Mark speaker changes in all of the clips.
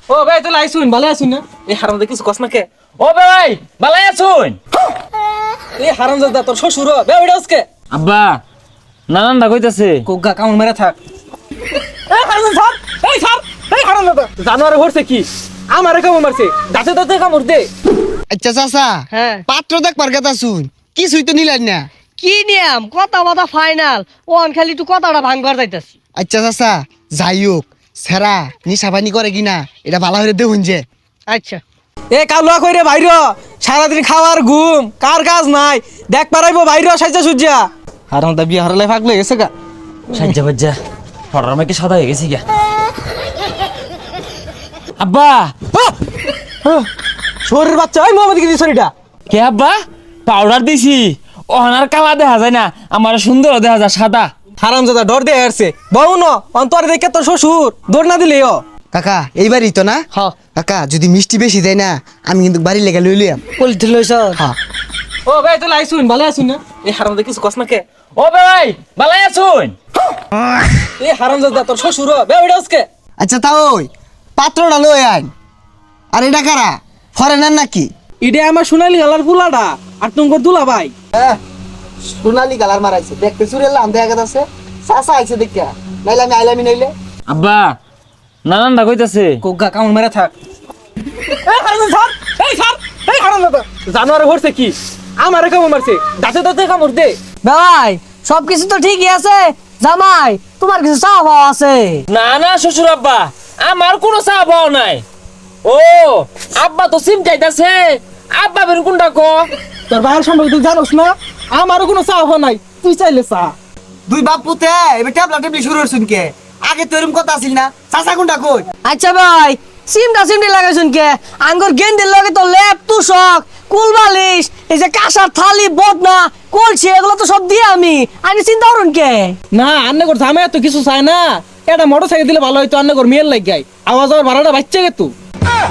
Speaker 1: ও ভাই তুই আইছুন ভালো আছুন না এই হারামজাদা কিছু কস না কে
Speaker 2: ও ভাই ভালো আছুন
Speaker 1: এই হারামজাদা তোর শ্বশুর বে ওইটা আজকে
Speaker 2: আব্বা নানানদা কইতাছে
Speaker 1: কোগা কামড় মেরে থাক এই হারামজাদা এই হারামজাদা জানোয়ারে হরছে কি আমারে কামড় মারছে দাঁতে দাঁতে কামড় দে
Speaker 3: আচ্ছা চাচা
Speaker 4: হ্যাঁ
Speaker 3: পাত্র দেখবার কথা শুন কিছুই তো নিলেন না।
Speaker 4: কি নিয়ম কথা বাতা ফাইনাল ওন খালি তুই কথাটা ভাঙবার যাইতাছি।
Speaker 3: আচ্ছা চাচা যাই হোক সেরা নিশাবানি করে কিনা এটা ভালো হয়ে দেখুন যে।
Speaker 4: আচ্ছা
Speaker 1: এ কালুয়া কইরে বাইর সারাদিন খাওয়ার ঘুম কার কাজ নাই দেখ পারাইবো বাইর সাইজা সুজা হারামজাদা বিয়ে হারালে ফাগলে গেছে গা
Speaker 2: সাজ্জা বাজ্জা ফটার মাইকে সাদা হয়ে গেছি গা আব্বা
Speaker 1: শরীর বাচ্চা ওই মোহাম্মদ কি শরীরটা
Speaker 2: কে আব্বা পাউডার দিছি ওহানার কালা দেখা যায় না আমার সুন্দর দেখা যায় সাদা
Speaker 1: হারামজাদা ডর দিয়ে আসছে বউ ন অন্তরে দেখে তোর শ্বশুর দৌড় না দিলেও
Speaker 3: কাকা এইবারই তো না
Speaker 4: হ্যাঁ
Speaker 3: কাকা যদি মিষ্টি বেশি দেয় না আমি কিন্তু বাড়ি লেগে লইলাম।
Speaker 4: পলিথি লইছ
Speaker 3: হ্যাঁ
Speaker 1: ও ভাই তুই আইছুন ভালো আছুন না এই হারামজাদা কিছু কস না কে
Speaker 2: ও ভাই ভালো আছুন
Speaker 1: এই হারামজাদা তোর শ্বশুর বে ওইটা আজকে
Speaker 3: আচ্ছা তা ওই পাত্রটা লই আইন। আর এটা কারা ফরেনার নাকি?
Speaker 1: ইডে আমার সোনালি গালার ফুলাডা আর তোমার দুলা ভাই
Speaker 3: সোনালি কালার মারাইছে দেখতে চুরেলাম দেখা গেছে চাচা আইছে দেখা নাইলে আমি আইলামি নাইলে।
Speaker 2: আব্বা নানানদা কইতাছে
Speaker 1: কোগা কামড় মেরে থাক এই হারামজাদা এই হারামজাদা জানোয়ারে হরছে কি আমারে কামড় মারছে দাঁতে দাঁতে কামড় দে
Speaker 4: ভাই সবকিছু তো ঠিকই আছে জামাই তোমার কিছু চাওয়া পাওয়া আছে।
Speaker 2: না না শ্বশুর আব্বা আমার কোনো চা পাও নাই ও আব্বা তো সিম চাইতাছে আব্বা বের কোনটা কো
Speaker 1: তোর ভাইয়ের সম্পর্কে তুই জানোস না আমারও কোনো চাওয়া নাই তুই চাইলে চা
Speaker 3: দুই বাপ পুতে এবার ট্যাবলা টেবলি শুরু হচ্ছুন কে আগে তো এরকম কথা আসিল না চাচা কোনটা কই?
Speaker 4: আচ্ছা ভাই সিমটি লাগাইছুন কে আঙ্গুর গেন্দির লগে তো লেপ তুষক কুল বালিশ এই যে কাঁসার থালি বদনা কলছি এগুলো তো সব দিয়ে আমি চিন্তা করুন কে।
Speaker 1: না আন্নে কর ঝামে তো কিছু চায় না এটা মোটরসাইকেল দিলে ভালো হইতো আন্নে কর মেয়ের লাগ গাই আওয়াজ আর ভাড়াটা বাচ্চা গে তুই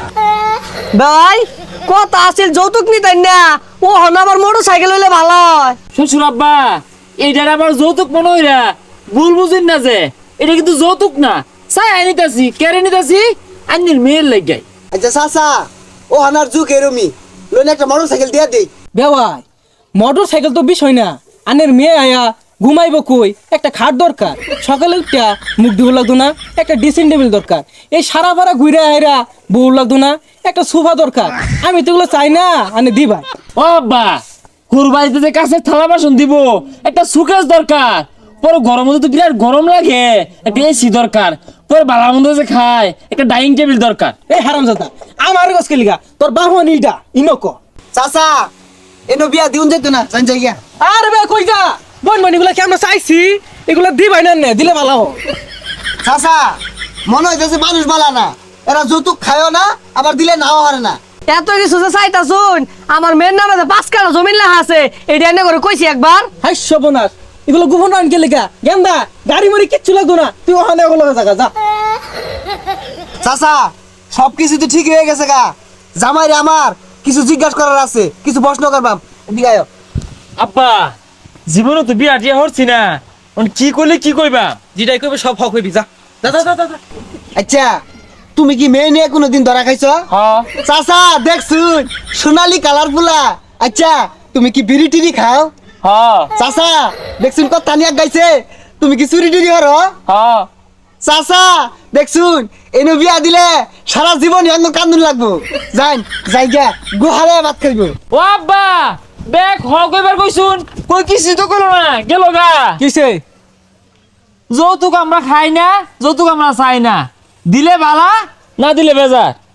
Speaker 4: ভাই কথা আছিল যৌতুক নিতেন না ও হন আবার মোটর সাইকেল হইলে ভালো হয়।
Speaker 2: শ্বশুর আব্বা এইটার আবার যৌতুক মনে হইরা ভুল বুঝিন না যে এটা কিন্তু যৌতুক না চাই আনিতাছি কেড়ে নিতাছি আন্নির মেয়ের লাগাই
Speaker 3: আচ্ছা চাচা ও হানার যুগ এরমি লোন একটা মোটরসাইকেল দিয়ে দেই।
Speaker 1: বেওয়াই মোটরসাইকেল তো বিষয় না আন্নের মেয়ে আয়া ঘুমাইব কই একটা খাট দরকার সকালে উঠা মুখ ধুব লাগতো না একটা ড্রেসিং টেবিল দরকার এই সারা পাড়া ঘুরে আয়রা বউ লাগতো না একটা সোফা দরকার আমি তো এগুলো চাই না আনে দিবা
Speaker 2: ও আব্বা কুরবানিতে যে কাছের থালা বাসন দিব একটা সুকেস দরকার পরে গরম মধ্যে তো বিরাট গরম লাগে একটা এসি দরকার পরে বালা মন্দ যে খায় একটা ডাইনিং টেবিল দরকার
Speaker 1: এই হারামজাদা আমার গছকে লিগা তোর বাহন ইটা ইনক
Speaker 3: চাচা এনো বিয়া দিউন যাইতো না জান যাই গিয়া।
Speaker 1: আরে বে কই যা বন বন এগুলা কি আমরা চাইছি এগুলা দিবাই না নে দিলে ভালো হয়
Speaker 3: চাচা মনে হইতেছে মানুষ বালা না এরা যৌতুক খায়ও না আবার দিলে নাও হারে না।
Speaker 4: এত কিছু যে চাইতাছুন আমার মেয়ের নামে যে 5 কাঠা জমি লেখা আছে এটা এনে করে কইছি একবার।
Speaker 1: হাই সবনাশ এগুলো গোপন আনকে লিগা গেন্দা গাড়ি মারি কিচ্ছু লাগতো না তুই ওখানে ওগুলো জায়গা যা
Speaker 3: চাচা সবকিছু তো ঠিক হয়ে গেছে গা জামাইরে আমার কিছু জিজ্ঞাসা করার আছে কিছু প্রশ্ন করবাম এদিকে আয়।
Speaker 2: আব্বা জীবনে তো বিয়া টিয়া হচ্ছি না কি করলে কি কইবা
Speaker 1: যেটাই কইবে সব হক হইবি যা যা যা যা যা
Speaker 3: আচ্ছা তুমি কি মেয়ে নিয়ে কোনোদিন ধরা খাইছো?
Speaker 2: হ্যাঁ
Speaker 3: চাচা দেখছুন সোনালি কালার ফুলা। আচ্ছা তুমি কি বিড়ি টিড়ি খাও?
Speaker 2: হ্যাঁ
Speaker 3: চাচা দেখছুন কথা নিয়ে গাইছে তুমি কি চুরি টুরি করো?
Speaker 2: হ্যাঁ
Speaker 3: চাচা দেখছুন এনে বিয়া দিলে সারা জীবন এমন কান্দুন লাগবো যাই যাই গিয়া গুহালে ভাত খাইবো।
Speaker 2: ও আব্বা বেক হ কইবার কইছুন কই কিছু তো কইলো না গেল গা
Speaker 1: কিসে
Speaker 2: যৌতুক আমরা খাই না যৌতুক আমরা চাই না দিলে বালা না দিলে বেজার